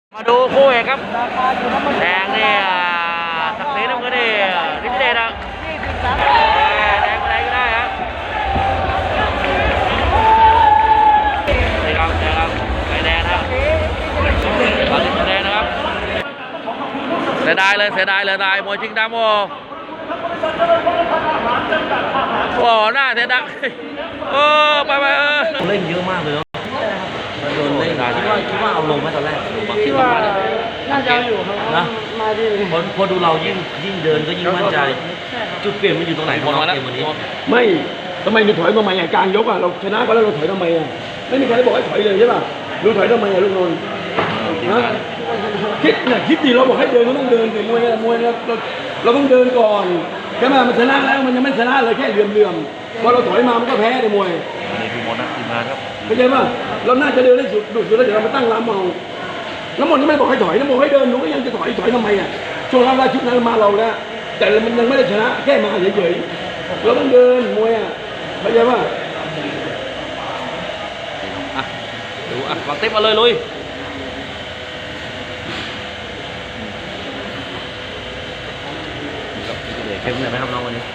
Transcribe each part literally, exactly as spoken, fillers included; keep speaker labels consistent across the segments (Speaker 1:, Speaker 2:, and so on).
Speaker 1: มาดูคู่เอกครับแดงนี่ศักดิ์ศรีน้ำเงินนี่ฤทธิเดชนะแดงอะไรก็ได้ครับนี่ครับแดงครับไฟแดงนะครับตอนนี้แดงนะครับเสียดายเลยเสียดายเลยได้มวยจริงดำโอ้โหหน้าเสียดายเออไปไปเออ
Speaker 2: เล่นเยอะมากเลยโดนเล่นคิดว่าคิดว่าเอาลงไหมตอนแรก
Speaker 3: คิดว่าน่าจะอยู่ครับนะมาดี
Speaker 2: พอพอดูเรายิ่งยิ่งเดินก็ยิ่งมั่นใจจุดเปลี่ยนมันอยู่ตรงไหนพอเราเกมวันนี้
Speaker 4: ไม่ทำไมเราถอยมาใหม่กลางยกอ่ะเราชนะก็แล้วเราถอยทำไมอ่ะไม่มีใครบอกให้ถอยเลยใช่ป่ะเราถอยทำไมอ่ะลูกนนท์นะคิดเนี่ยคิดดีเราบอกให้เดินก็ต้องเดินแต่มวยมวยเราเราต้องเดินก่อนใช่ไหมมันชนะแล้วมันยังไม่ชนะเลยแค่เหลื่อมๆพอเราถอยมามันก็แพ้ในมวย
Speaker 1: นี่คือหมดนะทีมงานครับ
Speaker 4: เข้าใจป่ะเราน่าจะเดินได้สุดดุดอยู่แล้วเดี๋ยวเรามาตั้งลำเอาน้ำมนต์นี่ไม่บอกให้ถอยน้ำมนต์ให้เดินหนูก็ยังจะถอยถอยทำไมอ่ะช่วงแรกๆชุดนั้นมาเราแล้วแต่มันยังไม่ได้ชนะแค่มาเฉยๆเราต้องเดินมวยอ่ะเข้าใจป่ะ
Speaker 1: อ่ะดูอ่ะวางเต็มมาเลยลุย
Speaker 2: เข้มเลยไหมครับน้องวันนี้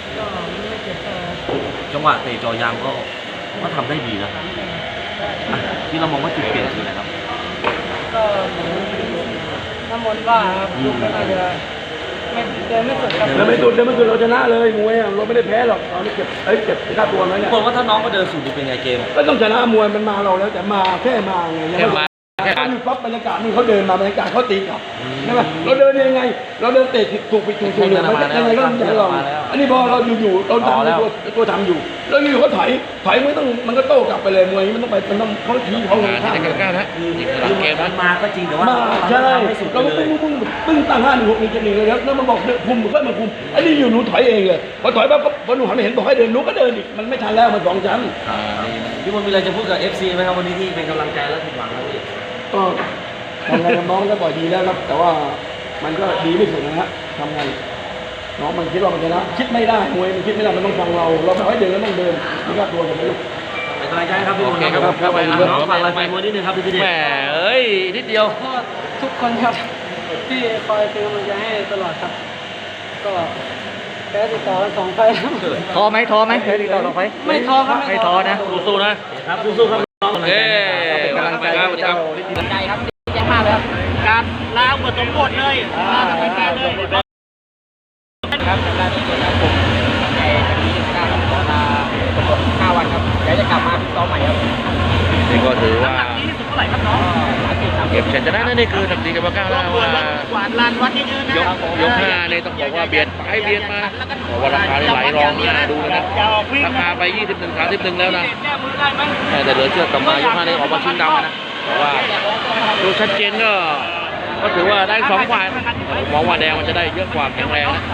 Speaker 2: จังหวะเตะจอยางก็ก็ทำได้ดีนะที่เรามองว่าจุดเปลี่ยนคืออะไรครับ
Speaker 3: ก็น้ำมนต์ว่าครับลูกก็น่าจะไม่เดินไม่สุดครับ
Speaker 4: เดินไม่สุดเดินไม่สุดเราชนะเลยมวยเราไม่ได้แพ้หรอกเราเก็บเอ้ยเก็บค่าตัวนั้นเนี่ย
Speaker 2: คนว่าถ้าน้องก็เดินสุดเป็นไงเกม
Speaker 4: ก็ต้องชนะมวยมันมาเราแล้วแต่มาแค่มาไงยังไม่การปั๊บบรรยากาศนี่เขาเดินมาบรรยากาศเขาตีกลับใช่ไหมเราเดินยังไงเราเดินเตะถูกไปถูกถูกเลยมันยังไงก็ต้องใจเราอันนี้พอเราอยู่ๆเราทำตัวตัวทำอยู่แล้วอยู่เขาถอยถอยไม่ต้องมันก็โต้กลับไปเลยมวยมันต้องไปมันต้องเขาชี้เขาลงข้าง
Speaker 1: ที่จะเกิดนะ
Speaker 2: คือคือเกมมันมาก็จริงแต่ว่า
Speaker 4: ใช่เราก็ปึ้งปึ้งปึ้งตั้งห้าหนึ่งหกหนึ่งเจ็ดหนึ่งเลยแล้วมันบอกคุมมันก็มาคุมอันนี้อยู่หนูถอยเองเลยพอถอยปั๊บพอหนูหันไปเห็นบอกให้เดินหนูก็เดินอีกมันไม่ทันแล้วมันสองชั้น
Speaker 2: พี่มนต์มีอะไรจะพูดกับ เอฟ ซี ไหมครับวันนี้ที่เป็นกำลังใจและผิดหวังครับพี่
Speaker 4: ก็ทำงานกับน้องก็บ่อยดีแล้วครับแต่ว่ามันก็ดีไม่สุดนะฮะทำงานน้องมันคิดว่ามันชนะคิดไม่ได้มวยมันคิดไม่ได้มันต้องฟังเราเราไม่ให้เดินแล้วต้องเดินนี่ก็ตัวผมไม่รู้
Speaker 2: เป็นกำลังใจครับพี่มนต์ครับครับน้องฝากอะไรไปมวยนิดนึงครับพี่เดช
Speaker 1: แหมเอ้ยนิดเดียว
Speaker 3: ก็ทุกคนครับที่คอยเป็นกำลังใจให้ตลอดครับก็แพ้ติดต่อกันสองไฟ
Speaker 1: ท้อไหมท้อไหมแพ้ติดต่อสองไฟ
Speaker 3: ไม่ท้อครับ
Speaker 1: ไม่ท้อนะสู้ๆนะครับ
Speaker 2: สู้ๆครับน้อง
Speaker 1: เอ้เป็นกำลังใจครับเจ้าใจครับดีใจมากเลยครับการล้างบทสมบทเลยล้างทำให้แพ้เลยครับการที่ผมในที่การขอลาห้าวันครับเดี๋ยวจะกลับมาซ้อมใหม่ครับนี่ก็ถือว่าที่สุดเท่าไหร่ครับน้องเก็บชัยชนะนั่นนี่คือทำดีกับก้าวแล้วว่ากวาดลานวัดนี่ยืนนะยกยกห้าเนี่ยต้องบอกว่าเบียดไปเบียดมาบอกว่าราคาไหลรองนะดูนะราคาไปยี่สิบหนึ่งสามสิบหนึ่งแล้วนะแต่เหลือเชื่อกลับมายกห้าเนี่ยออกมาชิงดำนะเพราะว่าดูชัดเจนก็ก็ถือว่าได้สองฝ่ายมองว่าแดงมันจะได้เยอะกว่าแข็งแรงนะ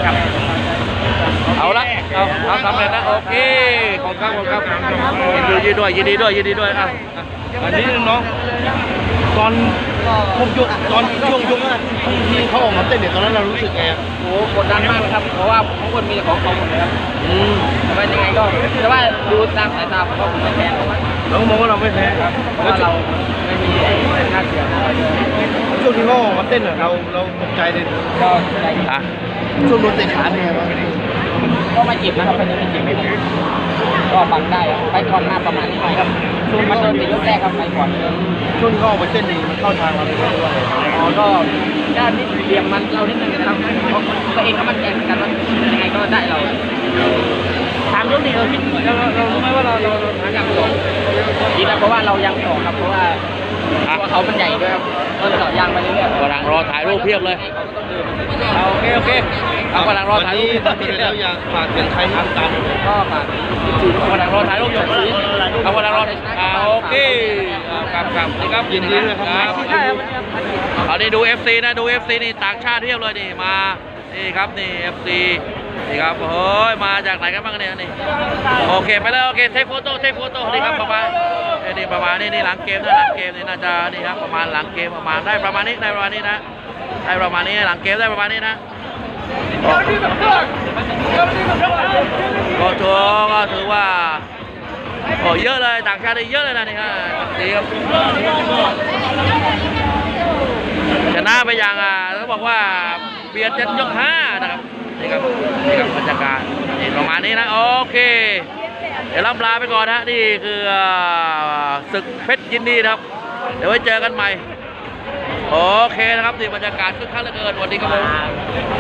Speaker 1: เอาละเอาเอาทำเลยนะโอเคขอบคุณครับขอบคุณครับยินดีด้วยยินดีด้วยยินดีด้วยอ่ะ
Speaker 4: อันนี้น้องตอนผมยกตอนช่วงยกที่เขาออกมาเต้นเนี่ยตอนนั้นเรารู้สึกไง
Speaker 3: โอ้กดดันมากเลยครับเพราะว่าทุกคนมีแต่ของของหมดเลยครับอืมแต่ว่ายังไงก็แต่ว่าดูตามสายตาผมก็ผมไม่แพ้
Speaker 4: เรามองว่าเราไม่แพ้ครับ
Speaker 3: เพราะว่าเราไม่มีค่าเสีย
Speaker 4: ช่วงที่เขาออกมาเต้นเราเราตกใจเลย
Speaker 3: ก็ใจ
Speaker 1: อ่ะ
Speaker 4: ช่วงโดนเตะขาเนี่ย
Speaker 3: ก็ไม่เจ็บนะครับไม่ได้เจ็บไม่เจ็บก็บังได้ไปก่อนหน้าประมาณนี้หน่อยครับช่วงมันโดนติดยกแรกครับไปก่อน
Speaker 4: ช่วงที่เขาออกมาเต้นนี่มันเข้าทางเราเลยว่า
Speaker 3: อ๋อก็ด้านนี้เหลี่ยมมันเรานิดนึงนะครับเพราะตัวเองก็มั่นใจเหมือนกันว่ายังไงก็ได้เราถามยกนี้เราคิดเราเรารู้ไหมว่าเราเราหาอย่างต่อคิดนะเพราะว่าเรายังต่อครับเพราะว่าตัวเขามันใหญ่ด้วยครับก็ต่อยางไปเรื่อยๆ
Speaker 1: กำลังรอถ่ายรูปเพียบเลยโอเคโอเคเอากำลังรอถ่ายรูป
Speaker 4: แล้วอยากฝากถึงใครที่ตาม
Speaker 3: ก็ฝาก
Speaker 1: กำลังรอถ่ายรูปอยู่เอากำลังรออ่าโอเคครับครับนี่ครับยินดีด้วยครับเอานี่ดู เอฟ ซี นะดู เอฟ ซี นี่ต่างชาติเทียบเลยนี่มานี่ครับนี่ เอฟ ซี นี่ครับเฮ้ยมาจากไหนกันบ้างเนี่ยนี่โอเคไปเลยโอเคเทคโฟโต้เทคโฟโต้นี่ครับประมาณนี่ประมาณนี้นี่หลังเกมนะหลังเกมนี่น่าจะนี่ครับประมาณหลังเกมประมาณได้ประมาณนี้ได้ประมาณนี้นะได้ประมาณนี้หลังเกมได้ประมาณนี้นะก็ถือก็ถือว่าโอ้เยอะเลยต่างชาติเยอะเลยนะนี่ฮะดีครับ
Speaker 2: ไปอย่างอ่ะเขาบอกว่าเบียดจนยกห้านะครับนี่ครับนี่ครับบรรยากาศนี่ประมาณนี้นะโอเคเดี๋ยวล่ำลาไปก่อนนะนี่คือศึกเพชรยินดีนะครับเดี๋ยวไว้เจอกันใหม่โอเคนะครับนี่บรรยากาศคึกคักเหลือเกินวันนี้ครับผม